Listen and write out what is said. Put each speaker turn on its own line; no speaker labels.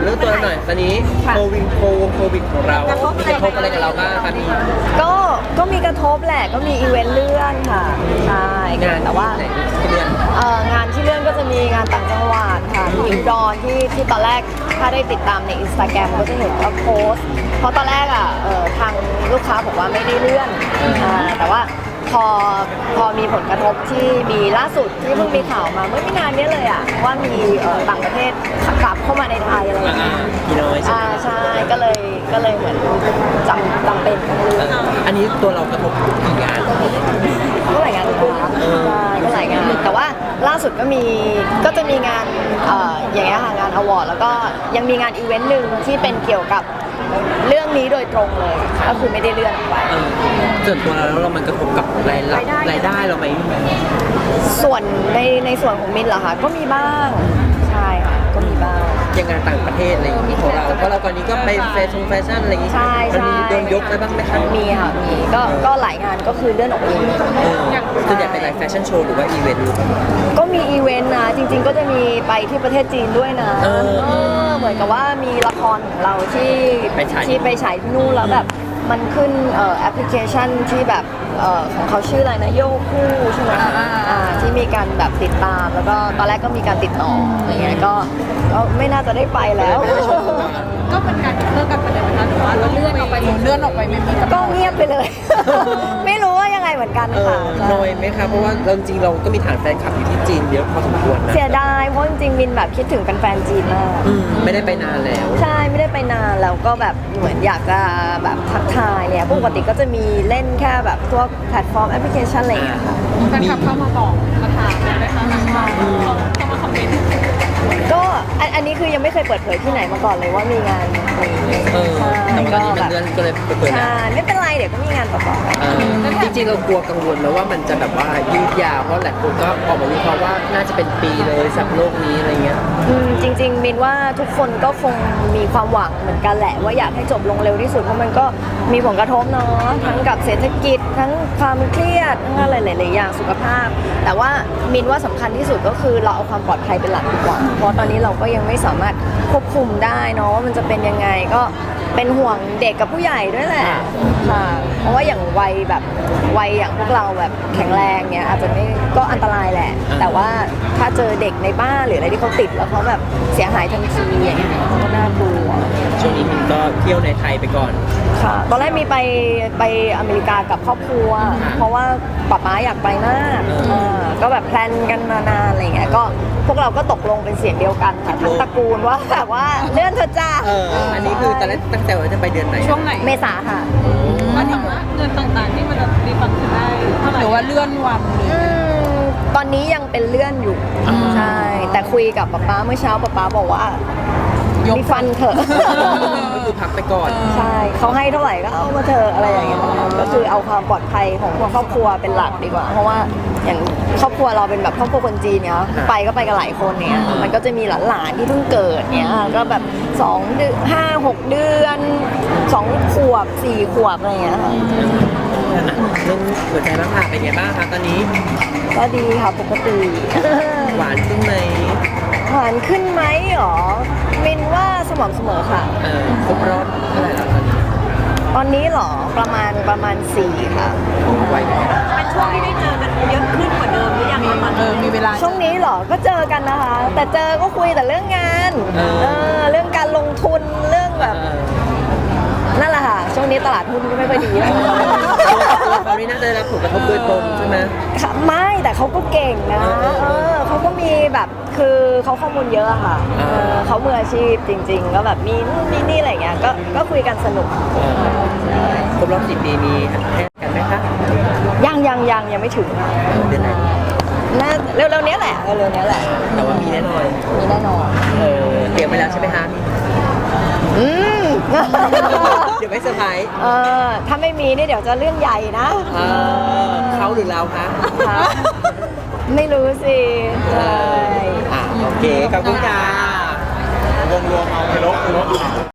เรื่องตัวหน่อยตอนนี้โควิดของเรามีกระทบอะไรกับเราบ้างคะมี
ก็มีกระทบแหละก็มีอีเวนต์เลื่อนค่ะใช่
งาน
แต่ว่า
ที่เลื่อน
งานที่เลื่อนก็จะมีงานต่างจังหวัดค่ะที่อุดรที่ตอนแรกถ้าได้ติดตามใน Instagram ก็จะเห็นว่าโพสต์เพราะตอนแรกทางลูกค้าบอกว่าไม่ได้เลื่อนแต่ว่าพอมีผลกระทบที่มีล่าสุดที่เพิ่งมีข่าวมาเมื่อไม่นานนี้เลยว่ามีต่างประเทศกลับเข้ามาในไทยอะไรอย่างเงี้ยใช่ก็เลยเหมือนจำเป็นต้องเลื่อน
อันนี้ตัวเรากระทบกี่งาน
ก็หลายงานนะคะก็หลายงานแต่ว่าล่าสุดก็จะมีงานอย่างเงี้ยค่ะงานอวอร์ดแล้วก็ยังมีงานอีเวนต์หนึ่งที่เป็นเกี่ยวกับเรื่องนี้โดยตรงเลยก็คือไม่ได้เลื่อนออกไป
ส่วนตัวเรามันกระทบกับรายได้เราไหม
ส่วนในส่วนของมินเหรอคะก็มีบ้างใช่ค่ะก็มีบ้าง
อย่างงานต่างประเทศอะไรอย่างนี้ของเราเพราะเราตอนนี้ก็ไปแฟชั่นอะไรอย่างนี้มันมีโดนยกไปบ้างไหมคะ
มีค่ะมีก็หลายงานก็คือเลื่อนออกไป
ส่วนใหญ่เป็นอะไรแฟชั่นโชว์หรือว่าอีเวนต์
ก็มีอีเวนต์นะจริงๆก็จะมีไปที่ประเทศจีนด้วยนะเหมือนกับว่ามีละครของเราที่ไปฉายที่นู่นแล้วแบบมันขึ้นแอปพลิเคชันที่แบบของเขาชื่ออะไรนะโยคู่ใช่ไหมที่มีการแบบติดตามแล้วก็ตอนแรกก็มีการติดต่ออะไรเงี้ยก็ไม่น่าจะได้ไปแล้ว
ก็เป็นการเลิกกันไปเลยไหมคะหรือว่าเราเลื่อนออกไปไม่มี
ก็เงียบไปเลย ไม่รู้ว่ายังไงเหมือนกันค่ะ
น้อยไหมคะเพราะว่าจริงเราก็มีฐานแฟนคลับอยู่ที่จีนเยอะพอสมควรนะ
เสียดายเพราะจริงๆมินแบบคิดถึงแฟนจีนมาก
ไม่ได้ไปนานแล้ว
ใช่ไม่ได้ไปนานแล้วก็แบบเหมือนอยากจะแบบทักทายเนี่ยปกติก็จะมีเล่นแค่แบบพวกแพลตฟอร์มแอปพลิเคชันอะไรอย่างเงี้ยค่ะ
แฟนคลับเข้ามาบอกมาถามเลยไหมคะเข้ามาคอมเมนต์
ก็อันนี้คือยังไม่เคยเปิดเผยที่ไหนมาก่อนเลยว่ามีงานนี้
แต่ว่าตอนนี้มันเลื่อนก็เลยเปิด
แล้วไม่เป็นไรเดี๋ยวก็มีงานต่อ
ๆจริงๆเรากลัวกังวลแล้วว่ามันจะแบบว่ายืดยาวเพราะหลายคนก็ออกมาวิเคราะห์ว่าน่าจะเป็นปีเลยสำหรับโลกนี้อะไรเงี้ย
จริงๆมินว่าทุกคนก็คงมีความหวังเหมือนกันแหละว่าอยากให้จบลงเร็วที่สุดเพราะมันก็มีผลกระทบเนาะทั้งกับเศรษฐกิจทั้งความเครียดทั้งอะไรหลายๆอย่างสุขภาพแต่ว่ามินว่าสำคัญที่สุดก็คือเราเอาความปลอดภัยเป็นหลักดีกว่าเพราะตอนนี้เราก็ยังไม่สามารถควบคุมได้เนาะว่ามันจะเป็นยังไงก็เป็นห่วงเด็กกับผู้ใหญ่ด้วยแหละค่ะเพราะว่าอย่างวัยอย่างพวกเราแบบแข็งแรงเนี้ยอาจจะไม่ก็อันตรายแหละแต่ว่าถ้าเจอเด็กในบ้านหรืออะไรที่เขาติดแล้วเขาแบบเสียหายทันทีอย่างเงี้ยก็น่ากลัว
ช่วงนี้มินก็เที่ยวในไทยไปก่อน
ค่ะตอนแรกมีไปอเมริกากับครอบครัวเพราะว่าป๊าป๊าอยากไปมากก็แบบแพลนกันมานานอะไรเงี้ยก็พวกเราก็ตกลงเป็นเสียงเดียวกันค่ะทั้งตระกูลว่าแบบว่าเลื่อนเถอะจ้า
อันนี้คือตอนแรกตั้งใจว่าจะไปเดือนไหน
ช่วงไหน
เมษาค่ะ
ว่าถามว่าเงินต่างๆที่มันจะรีฟันได้เท่าไหร่หรือว่าเลื่อนวัน
ตอนนี้ยังเป็นเลื่อนอยู่ใช่แต่คุยกับป๊าเมื่อเช้าป๊าบอกว่ามีฟันเถอะ
ก็คือพักไปก่อน
ใช่เขาให้เท่าไหร่ก็เอามาเถอะอะไรอย่างเงี้ยก็คือเอาความปลอดภัยของครอบครัวเป็นหลักดีกว่าเพราะว่าอย่างครอบครัวเราเป็นแบบครอบครัวคนจีนเนี้ยไปก็ไปกันหลายคนเนี้ยมันก็จะมีหลานๆที่เพิ่งเกิดเนี้ยก็แบบ2 เดือน 5-6 เดือน2 ขวบ 4 ขวบอะไรอย่างเงี้ยค่ะ
เรื่องหัวใจบ้างค่ะเป็นไงบ้างคะตอนนี้
ก็ดีค่ะปกติ
หวานขึ้นไหม
หวานขึ้นไหมหรอมินว่าสม่ำเสมอค่ะ
ครบรอบเท่าไหร่แล้ว
ตอนนี้หรอประมาณ4ค่ะ
ไหวไหม
เป็นช่วงที่ได้เจอกันเยอะขึ้นกว่าเดิมหรือยังมีเวลา
ช่วงนี้หรอก็เจอกันนะคะแต่เจอก็คุยแต่เรื่องงานเรื่องการลงทุนเรื่องแบบนั่นแหละค่ะช่วงนี้ตลาดหุ้นก็ไม่ค่อยดี
เขาไม่น่าจะได้รับผลกระทบโดยตรงใช่ไหม
ไม่แต่เขาก็เก่งนะเขาก็มีแบบคือเขาข้อมูลเยอะค่ะเขามืออาชีพจริงๆก็แบบมีนู่นนี่อะไรเงี้ยก็คุยกันสนุก
ครบรอบ10 ปีมีให้กันไหมคะ
ยังไม่ถึง
เดือนไหน
น่าเร็วๆนี้แหละ
แต่ว่ามีแน่นอนเตรียมไปแล้วใช่ไหมคะเดี๋ยวไม่เซอร์ไพรส์
ถ้าไม่มีนี่เดี๋ยวจะเรื่องใหญ่นะ
เขาหรือเราคะ
ไม่รู้สิใช่
โอเคขอบคุณค่ะวงรวมเอาไปลบ